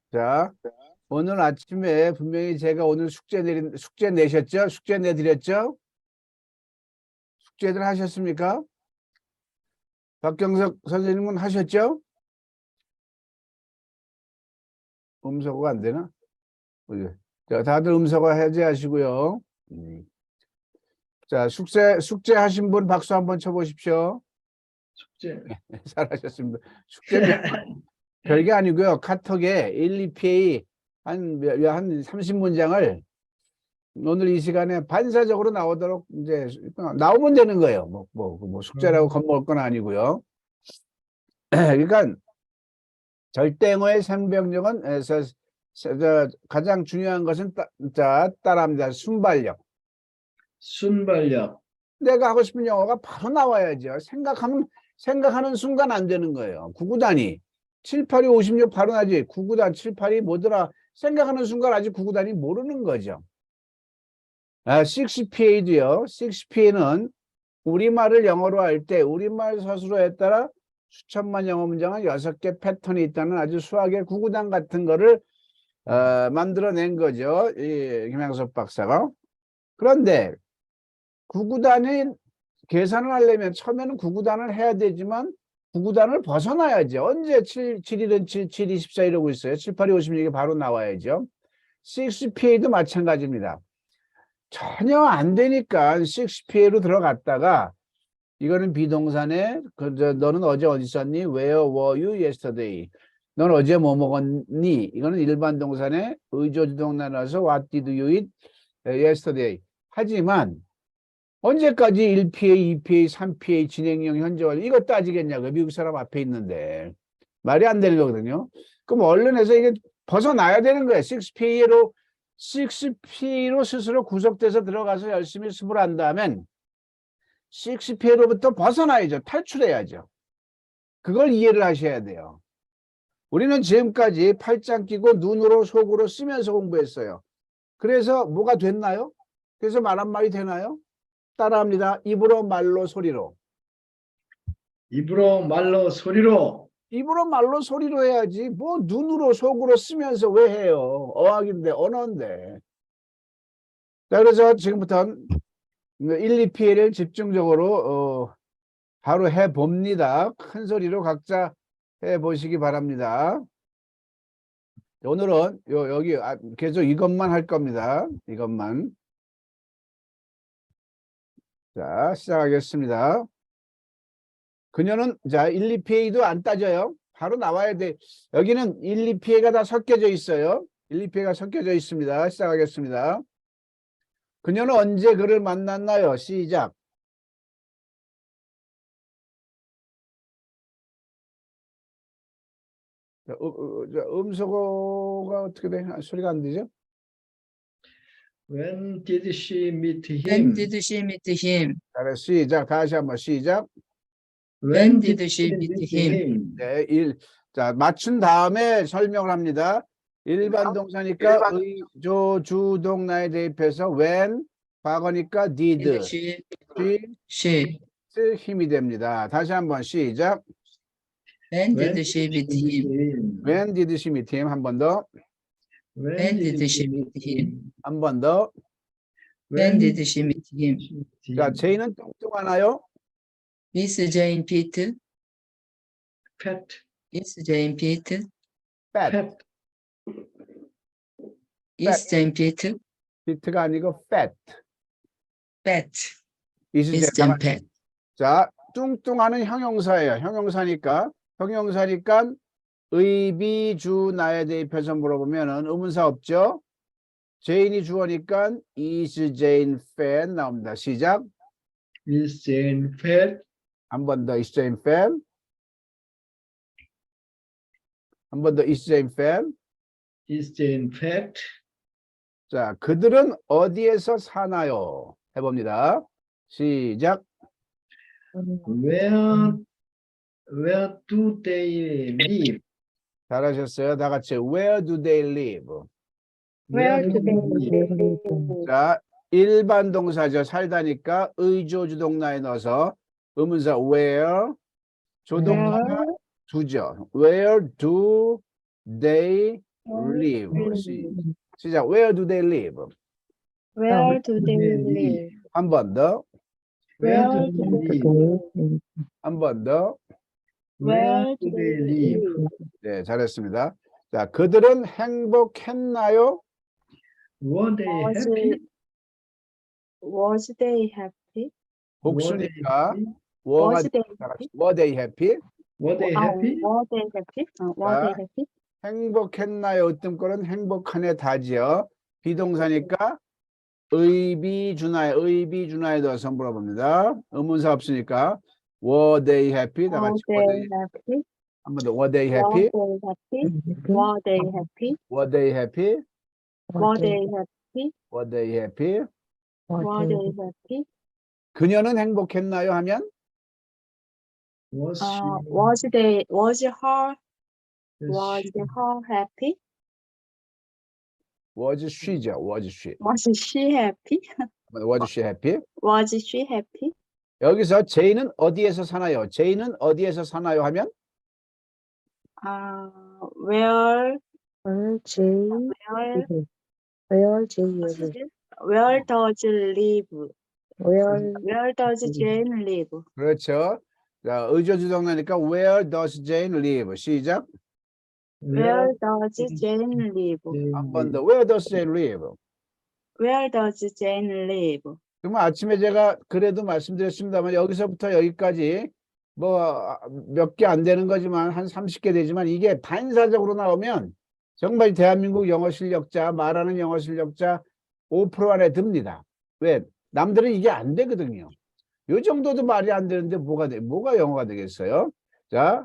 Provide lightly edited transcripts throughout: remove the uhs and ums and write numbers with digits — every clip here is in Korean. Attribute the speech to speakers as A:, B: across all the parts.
A: 자, 오늘 아침에 분명히 제가 오늘 숙제 내셨죠? 숙제 내드렸죠? 숙제들 하셨습니까? 박경석 선생님은 하셨죠? 음소거가 안 되나? 자, 다들 음소거 해제하시고요. 자, 숙제 하신 분 박수 한번 쳐보십시오.
B: 숙제.
A: 잘하셨습니다. 숙제는 별게 아니고요. 카톡에 1, 2PA 한 30문장을 오늘 이 시간에 반사적으로 나오도록 이제 나오면 되는 거예요. 뭐 숙제라고 겁먹을 건 아니고요. 그러니까 절대어의 상병력은 가장 중요한 것은 따라합니다. 순발력.
B: 순발력.
A: 내가 하고 싶은 영어가 바로 나와야죠. 생각하는 순간 안 되는 거예요. 구구단위 7, 8, 2, 56 바로 나지. 구구단 7, 8이 뭐더라 생각하는 순간 아직 구구단위 모르는 거죠. 6PA도요. 6PA는 우리말을 영어로 할 때 우리말 서술어에 따라 수천만 영어 문장은 6개 패턴이 있다는 아주 수학의 구구단 같은 거를 만들어낸 거죠. 이 김양섭 박사가. 그런데 구구단이 계산을 하려면 처음에는 구구단을 해야 되지만 구구단을 벗어나야죠. 언제 7, 7일은 7, 7, 24 이러고 있어요. 7, 8, 2, 56이 바로 나와야죠. 6PA도 마찬가지입니다. 전혀 안 되니까 6PA로 들어갔다가 이거는 비동사네. 너는 어제 어디 있었니? Where were you yesterday? 넌 어제 뭐 먹었니? 이거는 일반 동사네. 의조주동 나눠서 What did you eat yesterday? 하지만 언제까지 1PA, 2PA, 3PA 진행형 현재완료 이거 따지겠냐고 미국 사람 앞에 있는데 말이 안 되는 거거든요. 그럼 언론에서 이게 벗어나야 되는 거예요. 6PA로 스스로 구속돼서 들어가서 열심히 수습을 한다면 6PA로부터 벗어나야죠. 탈출해야죠. 그걸 이해를 하셔야 돼요. 우리는 지금까지 팔짱 끼고 눈으로 속으로 쓰면서 공부했어요. 그래서 뭐가 됐나요? 그래서 말 한마디 되나요? 따라합니다. 입으로 말로 소리로.
B: 입으로 말로 소리로.
A: 입으로 말로 소리로 해야지. 뭐 눈으로 속으로 쓰면서 왜 해요? 어학인데 언어인데. 자, 그래서 지금부터는 1, 2PA를 집중적으로 바로 해봅니다. 큰 소리로 각자 해보시기 바랍니다. 오늘은 여기 계속 이것만 할 겁니다. 이것만. 자, 시작하겠습니다. 그녀는 자 1, 2PA도 안 따져요. 바로 나와야 돼. 여기는 1, 2PA가 다 섞여져 있어요. 1, 2PA가 섞여져 있습니다. 시작하겠습니다. 그녀는 언제 그를 만났나요? 시작. 음소거가 어떻게 돼? 소리가 안 되죠?
B: When did she meet
C: When
B: him?
C: did she meet him?
A: 잘했어. 시작. 다시 한번 시작.
C: When did she meet him?
A: 네, 자, 맞춘 다음에 설명을 합니다. 일반 동사니까 의조 주동사에 대입해서 when, 과거니까 did,
C: Did
A: she,
C: she?
A: 힘이 됩니다. 다시 한번 시작.
C: When did she meet him?
A: When did she meet him? 한 번 더.
C: When did she meet him?
A: 한 번 더.
C: When did she meet him?
A: 자, 제이는 뚱뚱하나요?
C: Miss Jane Pitt?
B: Pet.
C: Miss Jane Pitt?
A: fat.
B: Pet.
C: Is Jane Pitt?
A: fit가 아니고 fat.
C: Fat.
A: Is
C: Miss Jane Pitt.
A: 자, 뚱뚱하는 형용사예요. 형용사니까 의비주 나에 대입해서 물어보면은 의문사 없죠? 제인이 주어니까 is Jane fat 나옵니다. 시작.
B: Is Jane fat?
A: 한 번 더 is Jane fat. 한 번 더 is Jane fat.
B: Is Jane fat?
A: 자, 그들은 어디에서 사나요? 해봅니다. 시작.
B: Where do they live?
A: 잘하셨어요. 다 같이 where do they live?
B: Where do they live?
A: 자, 일반 동사죠. 살다니까 의조주동사에 넣어서 의문사 where, 조동사 두죠. Where do they live. 시작. Where do they live?
D: Where do they live?
A: 한 번 더.
B: Where
D: Where
B: do
D: do
B: they
D: they
B: live?
D: live?
A: 한 번 더.
D: Where do they live?
A: 네, 잘했습니다. 자, 그들은 행복했나요?
B: Were they
D: Was
B: happy?
D: Was they happy?
A: 복수니까
B: happy?
A: 워가
D: Was they
A: 다 같이
D: happy?
A: were they happy?
B: Were they happy?
D: Were they happy? Were they
A: 자.
D: happy?
A: 행복했나요? 으뜸꼴은 행복하네 다지요. 비동사니까 의비준하에 넣어서 물어봅니다. 의문사 없으니까 were they happy? 다
D: Were
A: 같이
D: they happy?
A: 한 번 더 were they
D: Were
A: happy?
D: they happy? Were they happy?
A: were they happy?
D: Were they happy?
A: were they happy?
D: Were they happy?
A: 그녀는 행복했나요? 하면
B: Was
D: Was her
B: she
D: happy?
A: was she죠. was she?
D: Was she happy?
A: was she happy?
D: Was she happy?
A: 여기서 제이는 어디에서 사나요? 제이는 어디에서 사나요? 하면
D: Where
E: Jay
D: where
E: where Jay live?
D: where does live?
E: Where
D: Where does Jane live?
A: 그렇죠. 자, 의조주동사니까 where does Jane live? 시작.
D: Where does Jane live?
A: 한 번 더. Where does Jane live?
D: Where does Jane live?
A: 그러면 아침에 제가 그래도 말씀드렸습니다만 여기서부터 여기까지 뭐 몇 개 안 되는 거지만 한 30개 되지만 이게 반사적으로 나오면 정말 대한민국 영어 실력자, 말하는 영어 실력자 5% 안에 듭니다. 왜? 남들은 이게 안 되거든요. 요 정도도 말이 안 되는데 뭐가 영어가 되겠어요? 자,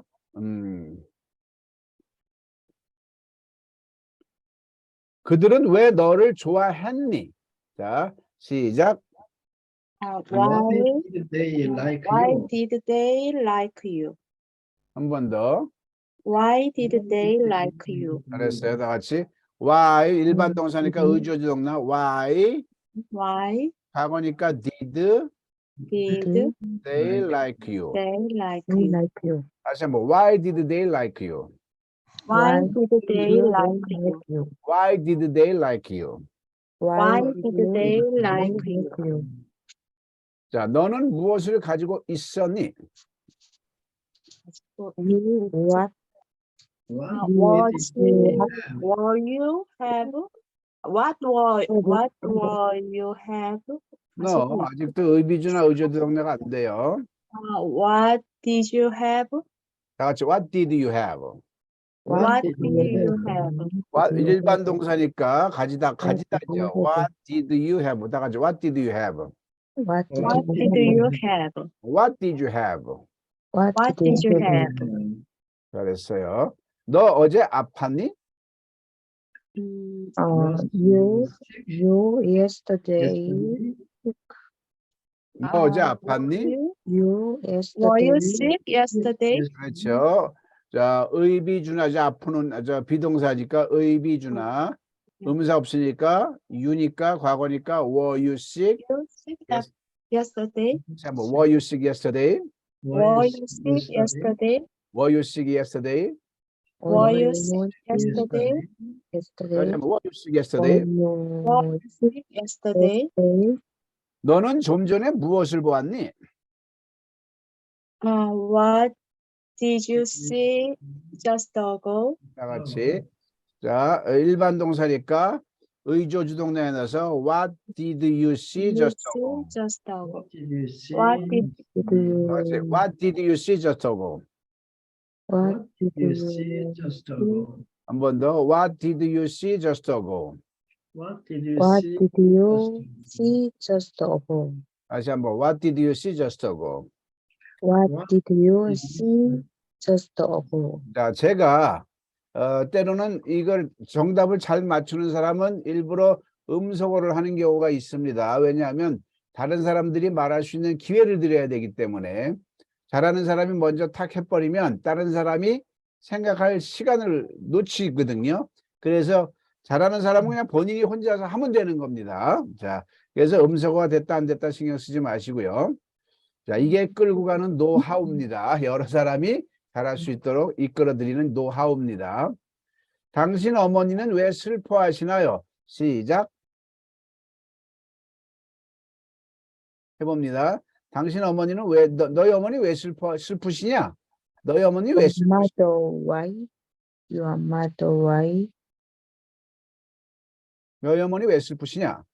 A: 그들은 왜 너를 좋아했니? 자, 시작.
B: why did they like
D: Why
B: you?
D: did they like you?
A: 한 번 더.
D: Why did they like you?
A: 잘했어요. 다 같이. Why 일반 동사니까 의조주동사. Why
D: Why
A: 과거니까 did
D: did
A: they like you?
D: they like
E: they
D: you?
E: like you?
A: 다시 한번. Why did they like you?
D: Why did they like you?
E: you?
A: Why did they like you?
D: Why did they like you?
A: 자, 너는 무엇을 가지고 있었니?
E: You what
B: What
D: Were you have? What were you have?
A: 너 아직도 의비주나 의조동사가 안 돼요.
D: What did you have?
A: 다 같이 What did you have?
D: What did you have?
A: What 일반 동사니까 가지다죠. What did you have? 다 같이 What did you have?
E: what
D: What did you have?
A: What did you have?
E: what
D: What did you have?
A: 잘했어요. 너 어제 아팠니?
E: you yesterday
A: 너 어제 아팠니?
E: you
D: Were
E: yesterday
D: you sick yesterday?
A: 그렇죠. 자, 의비주나 아프는 비동사니까 의비주나 의문사 없으니까 you니까 과거니까 were you sick?
D: You sick yesterday?
A: 자, 뭐 were you sick yesterday?
D: Were you sick yesterday?
A: Were you sick yesterday?
D: Were you sick yesterday?
A: 다시 한번 were you sick yesterday?
D: Were you sick yesterday?
A: 너는 좀 전에 무엇을 보았니?
D: What did you see just ago?
A: 다 같이. 자, 일반 동사니까 의조주동사에 넣어서 what did you see just ago?
D: Just ago.
B: What did you see?
D: What did
A: 다 같이. What did you see just ago?
B: What did you see just ago?
A: 한 번 더. What did you see just ago?
B: What did you
E: what
B: see?
E: did you see just ago?
A: 다시 한번. What did you see just ago?
E: What did you see just ago?
A: 자, 제가 때로는 이걸 정답을 잘 맞추는 사람은 일부러 음소거를 하는 경우가 있습니다. 왜냐하면 다른 사람들이 말할 수 있는 기회를 드려야 되기 때문에 잘하는 사람이 먼저 탁 해버리면 다른 사람이 생각할 시간을 놓치거든요. 그래서 잘하는 사람은 그냥 본인이 혼자서 하면 되는 겁니다. 자, 그래서 음소거가 됐다 안 됐다 신경 쓰지 마시고요. 자, 이게 끌고 가는 노하우입니다. 여러 사람이 잘할 수 있도록 이끌어드리는 노하우입니다. 당신 어머니는 왜 슬퍼하시나요? 시작. 해봅니다. 당신 어머니는 왜, 너희 어머니 왜 슬프시냐? 너희 어머니 왜
E: Your
A: 슬프시냐?
E: mother, why? Your mother, why?
A: 너희 어머니 왜 슬프시냐?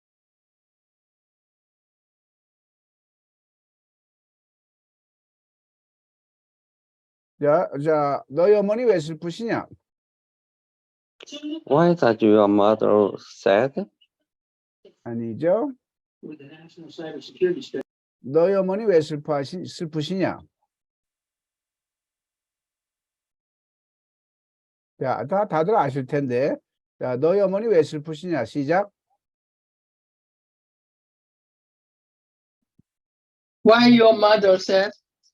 A: 자, 너희 어머니 왜 슬프시냐?
B: Why is your mother sad?
A: 아니죠? 너희 어머니 왜 슬프시냐? 자, 다들 아실 텐데. 자, 너희 어머니 왜 슬프시냐? 시작.
C: Why your mother said?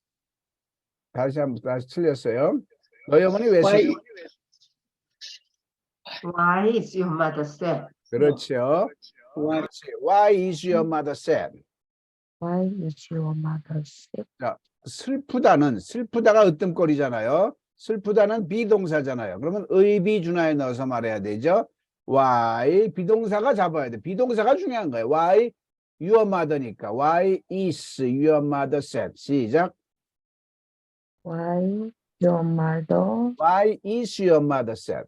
A: 다시 틀렸어요. 너희 어머니 왜
C: Why?
A: 슬프?
F: Why is your mother sad?
A: 그렇죠.
C: Why?
A: 그렇지. Why is your mother sad?
E: Why is your mother sick?
A: 슬프다가 으뜸거리잖아요. 슬프다는 비동사잖아요. 그러면 의비준하에 넣어서 말해야 되죠. Why 비동사가 잡아야 돼. 비동사가 중요한 거예요. Why your mother니까. Why is your mother sad? 시작.
E: Why your mother?
A: Why is your mother sad?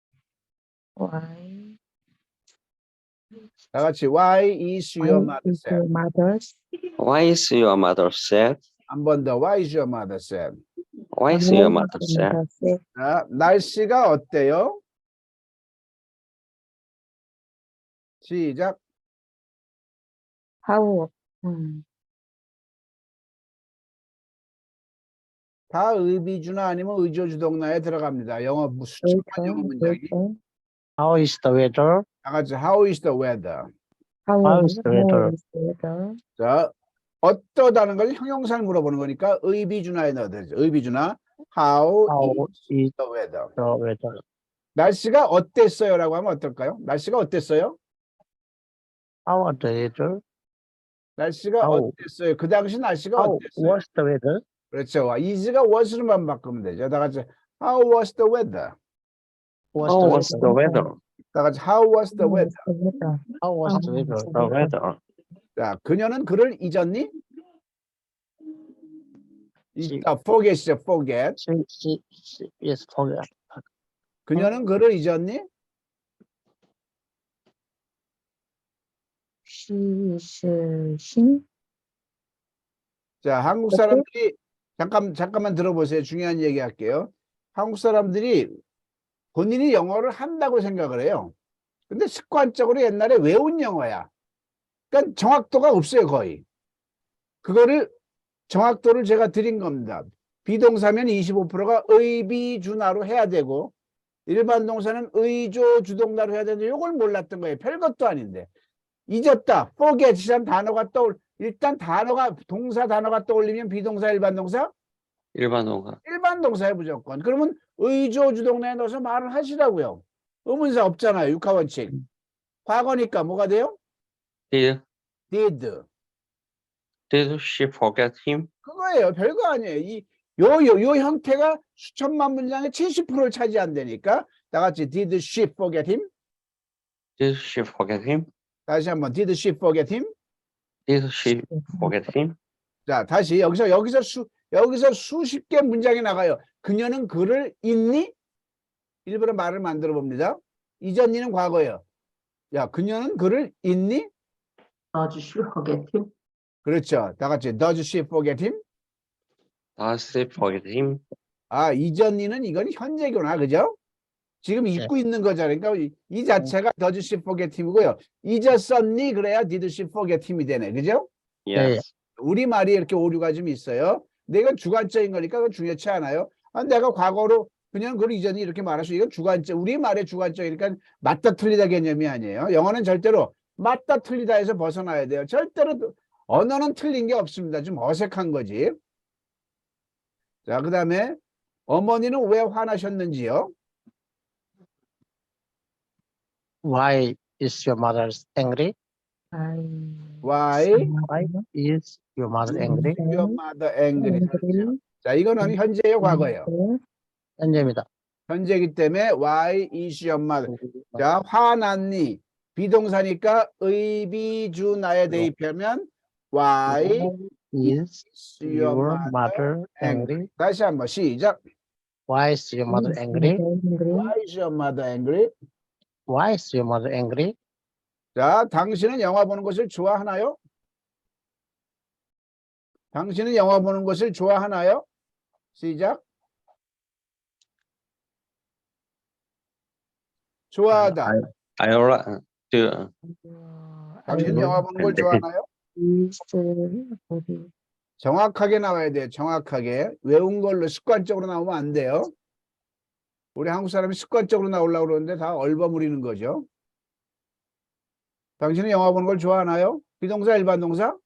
E: Why?
A: 다 같이 Why is your
E: Why
A: mother
E: is
A: sad?
E: your mother?
B: Why is your mother sad?
A: 한 번 더. Why is your mother sad?
B: Why is your mother sad?
E: sick?
A: 자, 날씨가 어때요? 시작.
E: How?
A: 다 의비주나 아니면 의조주동나에 들어갑니다. 영어 수천만 영어 문장이.
G: How is the weather?
A: 다 같이 How is the weather?
G: How is the weather?
E: weather?
A: 자, 어떠다는 걸 형용사를 물어보는 거니까 의비주나에 넣어야 되죠. 의비주나 How
G: How
A: is
G: is
A: the weather?
G: the weather?
A: 날씨가 어땠어요? 라고 하면 어떨까요? 날씨가 어땠어요?
G: How are the weather?
A: 날씨가
G: How?
A: 어땠어요? 그 당시 날씨가
G: How
A: 어땠어요?
G: was the weather?
A: 그렇죠. is가 was로만 바꾸면 되죠. 다 같이 How was the weather?
B: How was the weather?
A: 다 같이 How was the weather?
G: How was the weather?
B: The weather.
A: 자, 그녀는 그를 잊었니? forget이죠. forget.
G: She is forget.
A: 그녀는 그를 잊었니?
E: 신?
A: 자, 한국 사람들이 잠깐만 들어보세요. 중요한 얘기 할게요. 한국 사람들이 본인이 영어를 한다고 생각을 해요. 근데 습관적으로 옛날에 외운 영어야. 그러니까 정확도가 없어요, 거의. 그거를 정확도를 제가 드린 겁니다. 비동사면 25%가 의비주나로 해야 되고 일반 동사는 의조주동나로 해야 되는데 이걸 몰랐던 거예요. 별것도 아닌데. 잊었다. forget이란 단어가 일단 동사 단어가 떠올리면 비동사, 일반 동사?
B: 일반 동사.
A: 일반 동사에 무조건. 그러면 의조주동나에 넣어서 말을 하시라고요. 의문사 없잖아요. 육하원칙. 과거니까 뭐가 돼요?
B: Did she forget him?
A: 그거예요. 별거 아니에요. 요 형태가 수천만 문장의 70%를 차지한다니까. 다 같이 did she forget him?
B: Did she forget him?
A: 다시 한번 did she forget him?
B: Did she forget him?
A: 자, 다시 여기서 수십 개 문장이 나가요. 그녀는 그를 잊니? 일부러 말을 만들어 봅니다. 잊었니는 과거예요. 야, 그녀는 그를 잊니?
F: Does she forget him?
A: 그렇죠. 다 같이 does she forget him?
B: Does she forget him?
A: 아, 잊었니는 이건 현재구나. 그죠? 지금 잊고 있는 거잖아요. 그러니까 이 자체가 does she forget him이고요. 잊었었니? 그래야 did she forget him이 되네. 그죠?
B: Yes.
A: 우리말이 이렇게 오류가 좀 있어요. 근데 이건 주관적인 거니까 그건 중요치 않아요. 내가 과거로 그냥 그걸 잊었니 이렇게 말할 수 이건 주관적, 우리말의 주관적이니까 맞다 틀리다 개념이 아니에요. 영어는 절대로 맞다 틀리다 해서 벗어나야 돼요. 절대로 언어는 틀린 게 없습니다. 좀 어색한 거지. 자, 그 다음에 어머니는 왜 화나셨는지요?
G: Why is your mother angry?
A: Why
G: Why is your mother angry?
A: your mother angry? 자, 이거는 현재예요, 과거예요?
G: 현재입니다.
A: 현재이기 때문에 why is your mother. 자, 화났니? 비동사니까 의비주나에 대입하면 why
G: Is
A: your
G: your
A: mother
G: mother angry?
A: 다시 한번 시작.
G: Why is your mother angry?
A: Why is your mother angry?
G: Why is your mother angry?
A: 자, 당신은 영화 보는 것을 좋아하나요? 당신은 영화 보는 것을 좋아하나요? 시작. 좋아하다.
B: I already do.
A: 당신 영화 보는 걸 좋아하나요?
E: is movie.
A: 정확하게 나와야 돼요. 정확하게. 외운 걸로 습관적으로 나오면 안 돼요. 우리 한국 사람이 습관적으로 나오려고 그러는데 다 얼버무리는 거죠. 당신은 영화 보는 걸 좋아하나요? 비동사, 일반 동사?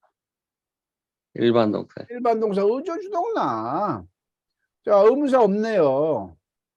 B: 일반 동사.
A: 일반 동사 의조주동나. 자, 의문사 없네요.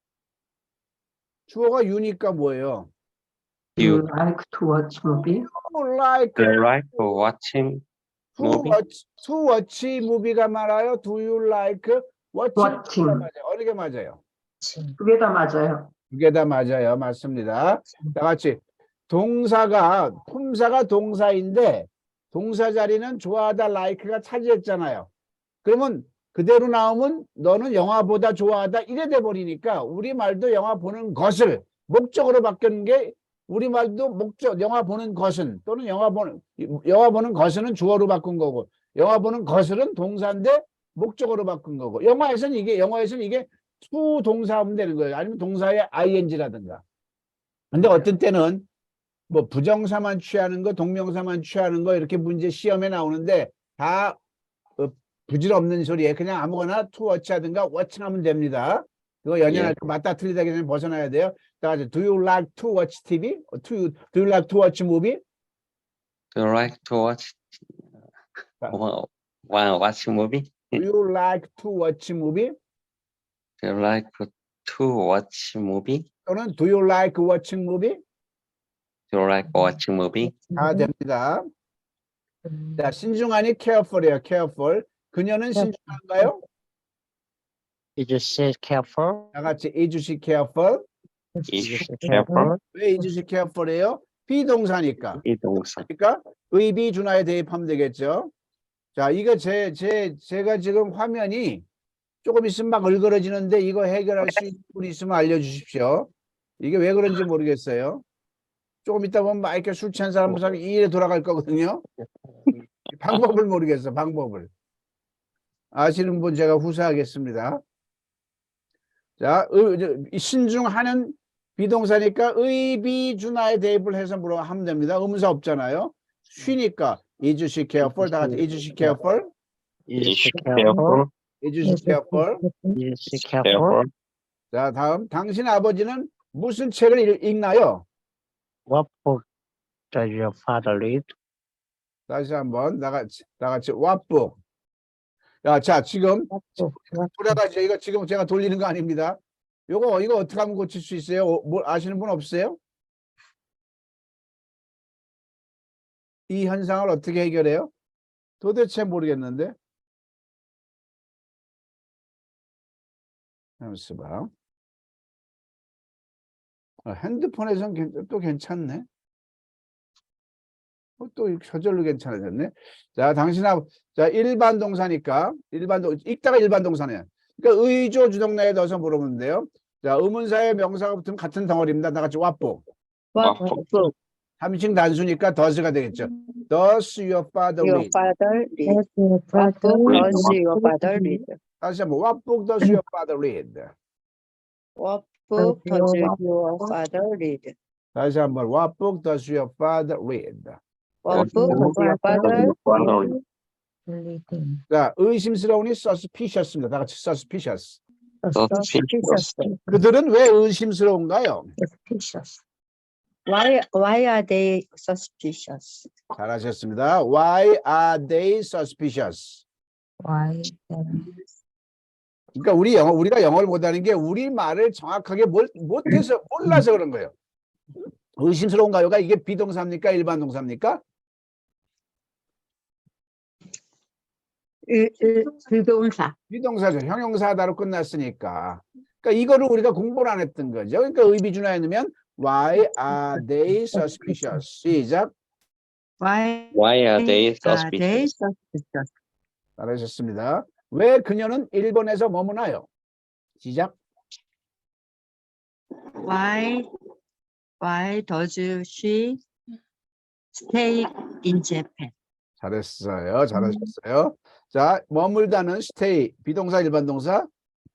A: 주어가 유니까 뭐예요?
F: You
B: You
F: like to watch movie?
A: like
B: do you like to watching movie?
A: to watch movie가 말아요. Do you like watching?
F: Watching.
A: 맞아요. 어느 게 맞아요?
F: 두 개 다 맞아요.
A: 두 개 다 맞아요. 맞습니다. 다 같이 동사가 품사가 동사인데 동사 자리는 좋아하다 like가 차지했잖아요. 그러면 그대로 나오면 너는 영화보다 좋아하다 이래 돼 버리니까 우리말도 영화 보는 것을 목적으로 바뀌는 게 우리말도 목적 영화 보는 것은 또는 영화 보는 것은 주어로 바꾼 거고 영화 보는 것은 동사인데 목적으로 바꾼 거고 영어에서는 이게 to 동사 하면 되는 거예요. 아니면 동사의 ing라든가. 근데 어떤 때는 뭐 부정사만 취하는 거, 동명사만 취하는 거 이렇게 문제 시험에 나오는데 다 부질없는 소리에 그냥 아무거나 to watch 하든가 watching 하면 됩니다. 그거 연연할 때 맞다 틀리다 그냥 벗어나야 돼요. 다 같이 do you like to watch TV? Do you like to watch movie?
B: Do you like to watch watch movie?
A: Do you like to watch movie?
B: Do you like to watch movie?
A: 또는 do you like watching movie?
B: Do you like watching movie?
A: 다 됩니다. 자, 신중하니 careful이에요. careful. 그녀는 신중한가요?
G: Is she careful?
A: 다 같이 is she careful?
B: Is she careful?
A: 왜 is she careful이에요? 비동사니까.
B: 이 동사.
A: 그러니까 의비준하에 대입하면 되겠죠. 자, 이거 제가 지금 화면이 조금 있으면 막 얼그러지는데 이거 해결할 수 있는 분이 있으면 알려주십시오. 이게 왜 그런지 모르겠어요. 조금 있다 보면 막 이렇게 술 취한 사람 이래 돌아갈 거거든요. 방법을 모르겠어, 방법을. 아시는 분 제가 후사하겠습니다. 자, 신중하는 비동사니까 의비준하에 대입을 해서 하면 됩니다. 의문사 없잖아요. 쉬니까 is she careful? 다 같이 is she careful?
G: Is
B: Is
G: she
B: she
G: careful?
A: is she careful?
G: Is she careful?
A: 자, 다음 당신 아버지는 무슨 책을 읽나요?
G: What book does your father read?
A: 다시 한번 다 같이 what book? 야, 자, 지금 돌아가죠. 이거 지금 제가 돌리는 거 아닙니다. 이거 어떻게 하면 고칠 수 있어요? 뭐 아시는 분 없어요? 이 현상을 어떻게 해결해요? 도대체 모르겠는데. 잠시만. 핸드폰에서는 또 괜찮네. 또 저절로 괜찮아졌네. 자, 자, 일반 동사니까 읽다가 일반 동사네. 그러니까 의조 주동나에 넣어서 물어보면 돼요. 자, 의문사에 명사가 붙으면 같은 덩어리입니다. 다 같이 what book.
D: What book
A: 삼인칭 단수니까 does가 되겠죠. Does your father
D: your
A: read?
D: father read? What book does your father read?
A: 다시 한번 what book does your father read?
D: What book does your father read?
A: 다시 한번 what book does your father read?
D: What book does your father
A: 자, 의심스러우니 suspicious입니다. 다 같이 suspicious.
D: suspicious?
A: 그들은 왜 의심스러운가요?
E: Suspicious.
D: Why are they suspicious?
A: 잘하셨습니다. Why are they suspicious?
E: Why?
A: 그러니까 우리가 영어를 못하는 게 우리 말을 정확하게 못해서 몰라서 그런 거예요. 의심스러운가요가 이게 비동사입니까? 일반 동사입니까?
F: 비동사.
A: 비동사죠. 형용사다로 끝났으니까. 그러니까 이거를 우리가 공부를 안 했던 거죠. 그러니까 의비준화에 넣으면 Why are they suspicious? 시작.
D: Why
B: Why are they
D: are they
B: suspicious?
D: suspicious?
A: 잘하셨습니다. 왜 그녀는 일본에서 머무나요? 시작.
D: Why does she stay in Japan?
A: 잘했어요. 잘하셨어요. 자, 머물다는 stay 비동사 일반 동사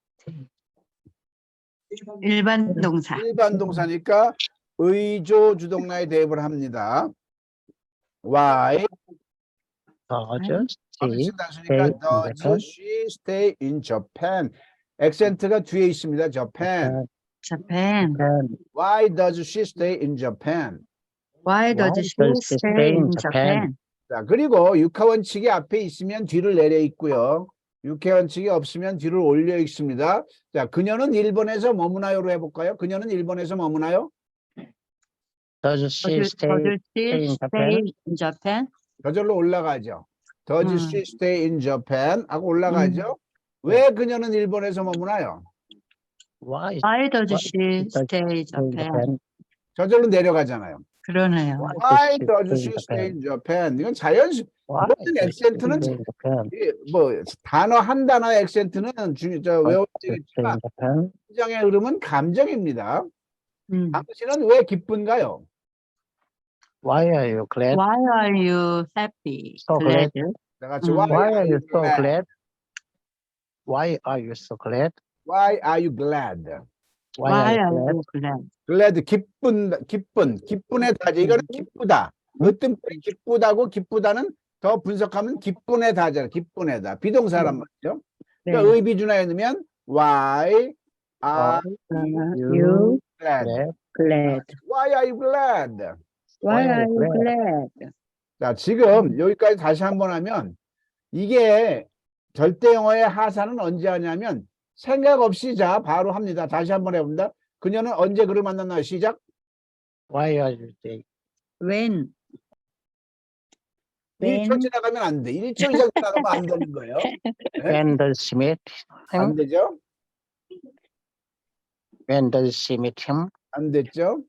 D: 일반 동사.
A: 일반 동사니까 의조 주동사에 대입을 합니다. Why?
G: Does
A: 어미친
G: she
A: 단수니까
G: stay in
A: does
G: Japan?
A: she stay in Japan? 액센트가 뒤에 있습니다. Japan.
D: Japan.
G: Japan.
A: Why does she stay in Japan?
D: Why does she stay in Japan?
A: 자, 그리고 육하원칙이 앞에 있으면 뒤를 내려 있고요. 육하원칙이 없으면 뒤를 올려 있습니다. 자, 그녀는 일본에서 머무나요로 해볼까요? 그녀는 일본에서 머무나요?
G: Does she stay in Japan?
D: in Japan?
A: 저절로 올라가죠. Does she stay in Japan? 하고 올라가죠. 왜 그녀는 일본에서 머무나요?
G: Why
D: Why does she
G: does
D: stay in
G: she stay in
D: Japan?
G: Japan?
A: 저절로 내려가잖아요.
D: 그러네요.
A: Why does she stay in Japan? 이건 자연스
G: Why
A: 모든
G: does she
A: 액센트는
G: stay in Japan?
A: 뭐 단어 한 단어의 액센트는 외워야
G: Why does she stay
A: 되겠지만
G: in Japan?
A: 감정의 흐름은 감정입니다.
D: 음.
A: 당신은 왜 기쁜가요?
G: Why are you glad?
D: Why are you happy?
G: So glad.
A: 다 같이
G: Why are you so
A: glad?
G: glad? Why are you so glad?
A: Why are you glad?
D: Why
G: you
D: are
G: glad?
D: you glad?
A: glad 기쁜의 다지. 이거는 기쁘다. 어떤 뿔이 기쁘다고 기쁘다는 더 분석하면 기쁜의 다잖아. 기쁜의다. 비동사란 말이죠. 그러니까 의비준화에 넣으면 Why are
D: You
A: glad?
D: glad.
A: Why are you glad?
D: Why are you glad?
A: 자, 지금 여기까지 다시 한번 하면 이게 절대 영어의 하사는 언제 하냐면 생각 없이 자 바로 합니다. 다시 한번 해봅니다. 그녀는 언제 그를 만났나요? 시작.
G: Why are you there?
D: When?
A: 1초 지나가면 안 돼. 1초 이상 지나가면 안 되는 거예요.
G: When does she meet
A: 안
G: him?
A: 되죠?
G: When does she meet him?
A: 안 됐죠?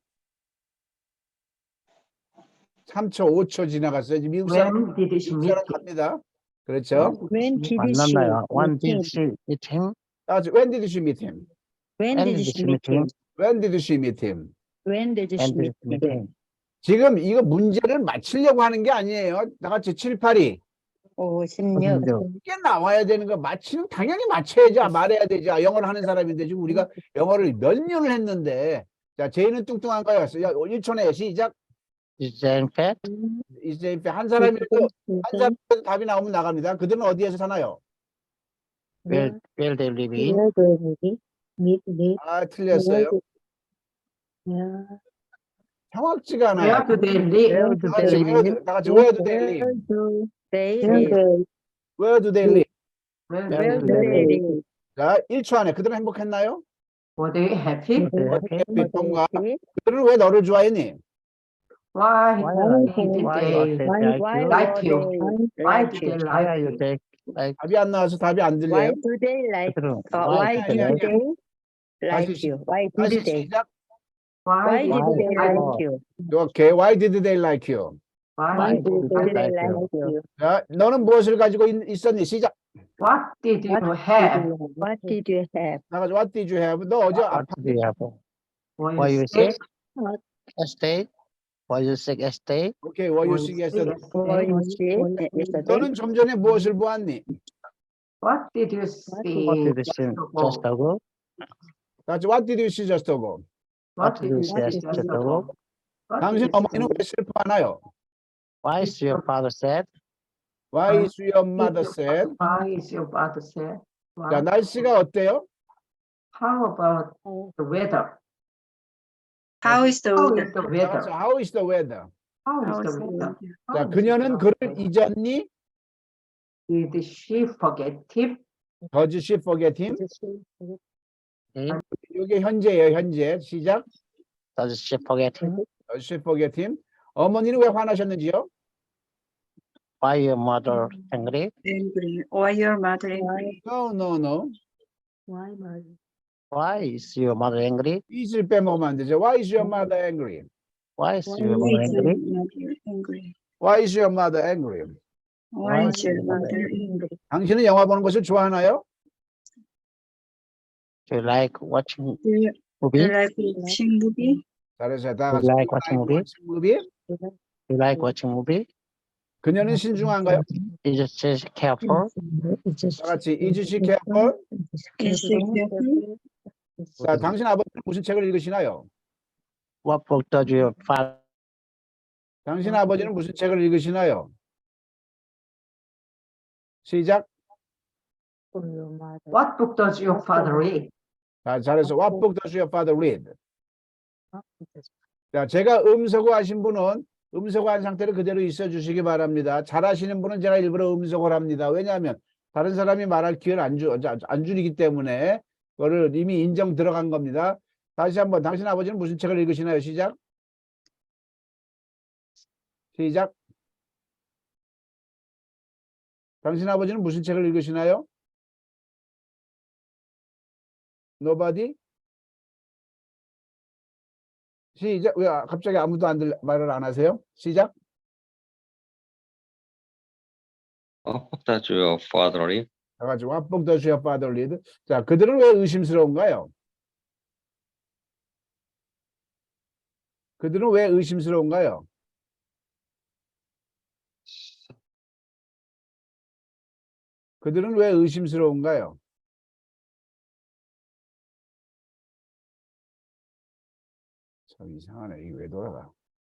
A: 3초, 5초 지나갔어요. 이제 미국 사람,
F: When did she
A: 미국
F: meet
A: 사람
F: him?
A: 갑니다. 그렇죠?
D: When did
G: 만났나요? When did she meet him?
A: When did she meet him?
D: When
G: When
D: did
G: did
D: she
G: she
D: meet
G: meet him?
D: him?
A: When did she meet him?
D: When did
G: When
D: she
G: did
D: meet
G: she meet
D: him?
G: him?
A: 지금 이거 문제를 맞히려고 하는 게 아니에요. 다 같이 7, 8이.
D: 5, 16.
A: 이게 나와야 되는 거 맞히면 당연히 맞춰야죠. 말해야 되죠. 영어를 하는 사람인데 지금 우리가 영어를 몇 년을 했는데 자, 제이는 뚱뚱한가요? 1초 내에 시작.
G: Is Jane fat?
A: 이제 한 사람이라도 답이 나오면 나갑니다. 그들은 어디에서 사나요?
G: Where they live in?
E: Where do we meet?
A: 아, 틀렸어요. 정확지가 않아요.
F: Where do they live?
D: Where do
A: 다 같이
D: they live?
A: 다 같이 where do they live?
D: Where do they live?
A: Where do they live?
F: Where
D: Where
F: do
D: do
F: they
D: they
F: live?
D: live?
A: 자, 1초 안에 그들은 행복했나요?
F: Were they happy?
A: 비통과 그들은 왜 너를 좋아했니?
F: Why
G: Why
F: did
G: are
F: they
G: they
F: like you? Why did they
G: Why are
F: like
G: you
F: you?
G: there? Like
A: 답이 안 나와서 답이 안 들려요.
D: Why do they like?
G: 그들은
D: Why
A: 아니,
D: do
A: 아니,
D: they like
A: 다시
D: you? Why
A: 다시
D: did they?
A: 시작.
F: Why
D: Why
F: did
D: did
F: they
D: they
F: like
D: like
F: you?
D: you?
A: 오케이. Why did they like you?
F: Why
G: did
F: did
G: they
F: they
G: like
F: like
G: you?
F: you?
A: 자, 너는 무엇을 가지고 있었니? 시작.
F: What did you have?
D: What did you have?
A: 나가서 What did you have? 너 어제
G: what
A: 아파.
G: do you have?
F: Were
G: Were
F: you
G: you
F: sick?
G: Yesterday? Were you sick yesterday?
A: 오케이. Were you sick yesterday?
D: Were you sick yesterday?
A: 너는 좀 전에 무엇을 보았니?
F: What did you see?
G: What did you see just ago?
A: 다시 What did you see just ago?
F: What did you see
G: What
F: just
G: did you
F: ago? What
A: 당신
F: did you
A: 어머니는 왜 슬퍼하나요?
G: Why is your father sad?
A: Why is your mother sad?
F: Why is your father sad?
A: 자,
F: Why?
A: 날씨가 어때요?
F: How about the weather?
D: How is the
F: How
D: weather?
F: is the
A: 자,
F: weather?
A: How is the weather?
F: How
D: How
F: is
D: is
F: the
D: the
F: weather?
A: 자,
F: How is
A: 그녀는
F: the
A: 그를
F: weather?
A: 잊었니?
F: Did she forget him?
A: Does she forget him?
G: Hmm?
A: 이게 현재예요, 현재. 시작.
G: Does she forget him?
A: Does she forget him? 어머니는 왜 화나셨는지요?
G: Why your mother angry?
D: Angry. Why your mother angry?
A: No, no, no.
E: Why, Mother?
G: Why is your mother angry?
A: is를 빼먹으면 안 되죠. Why is your mother angry?
G: Why is your mother angry?
A: Why is your mother angry?
G: Why is your mother angry?
A: 당신은 영화 보는 것을 좋아하나요?
G: Do you like watching
E: Do you
G: movie?
E: like watching movie?
A: 잘했어요. 다
G: You
A: 같이.
G: like watching movie?
A: movie?
G: Do you like watching movie?
A: 그녀는 신중한가요?
G: Is she careful?
A: 다 같이. Is she careful?
E: Is she careful?
A: 자, 당신 아버지는 무슨 책을 읽으시나요?
G: What book does your father?
A: 당신 아버지는 무슨 책을 읽으시나요? 시작.
F: What book does your father read?
A: 자, 잘해서 What book does your father read? 자, 제가 음소거 하신 분은 음소거 한 상태로 그대로 있어 주시기 바랍니다. 잘하시는 분은 제가 일부러 음소거를 합니다. 왜냐하면 다른 사람이 말할 기회를 안 주기 때문에 그거를 이미 인정 들어간 겁니다. 다시 한번 당신 아버지는 무슨 책을 읽으시나요? 시작. 시작. 당신 아버지는 무슨 책을 읽으시나요? Nobody? 시작. 왜 갑자기 아무도 말을 안 하세요? 시작.
B: What book does your father read?
A: 다 같이 What book does your father read? 자, 그들은 왜 의심스러운가요? 그들은 왜 의심스러운가요? 그들은 왜 의심스러운가요? 참 이상하네. 이게 왜 돌아가?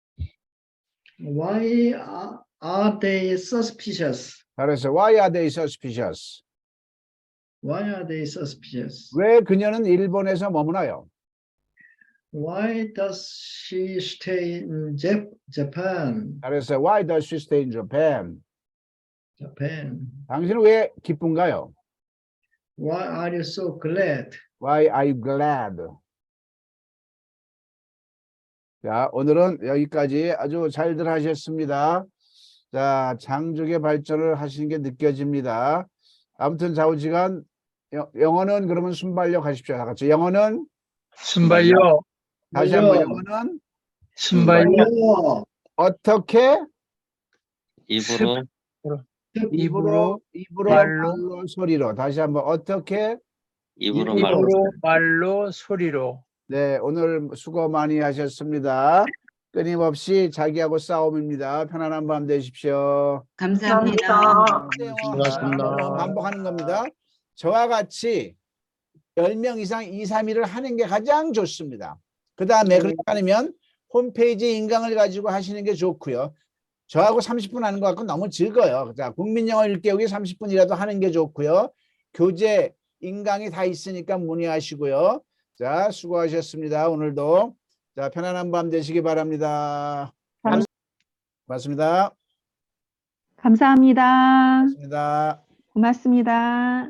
H: Why are they suspicious?
A: 잘했어. Why are they suspicious?
H: Why are they suspicious?
A: 왜 그녀는 일본에서 머무나요?
H: Why does she stay in Japan?
A: 잘했어. Why does she stay in Japan?
H: Japan.
A: 당신은 왜 기쁜가요?
H: Why are you so glad?
A: Why are you glad? 자, 오늘은 여기까지 아주 잘들 하셨습니다. 자, 장족의 발전을 하시는 게 느껴집니다. 아무튼 좌우지간 영어는 그러면 순발력 하십시오. 다 같이. 영어는
I: 순발력,
A: 다시 한번 영어는
I: 순발력,
A: 어떻게
B: 입으로
I: 입으로,
A: 말로 소리로 다시 한번 어떻게
B: 입으로 말로
I: 입으로, 말로, 소리로.
A: 네, 오늘 수고 많이 하셨습니다. 끊임없이 자기하고 싸움입니다. 편안한 밤 되십시오.
C: 감사합니다.
G: 수고하셨습니다.
A: 반복하는 겁니다. 저와 같이 10명 이상 2, 3일을 하는 게 가장 좋습니다. 그 다음에 그렇지 않으면 홈페이지 인강을 가지고 하시는 게 좋고요. 저하고 30분 하는 것 같고 너무 적어요. 자, 국민영어 1개국이 30분이라도 하는 게 좋고요. 교재, 인강이 다 있으니까 문의하시고요. 자, 수고하셨습니다. 오늘도. 자, 편안한 밤 되시기 바랍니다. 고맙습니다.
J: 감사합니다.
A: 고맙습니다.
J: 고맙습니다.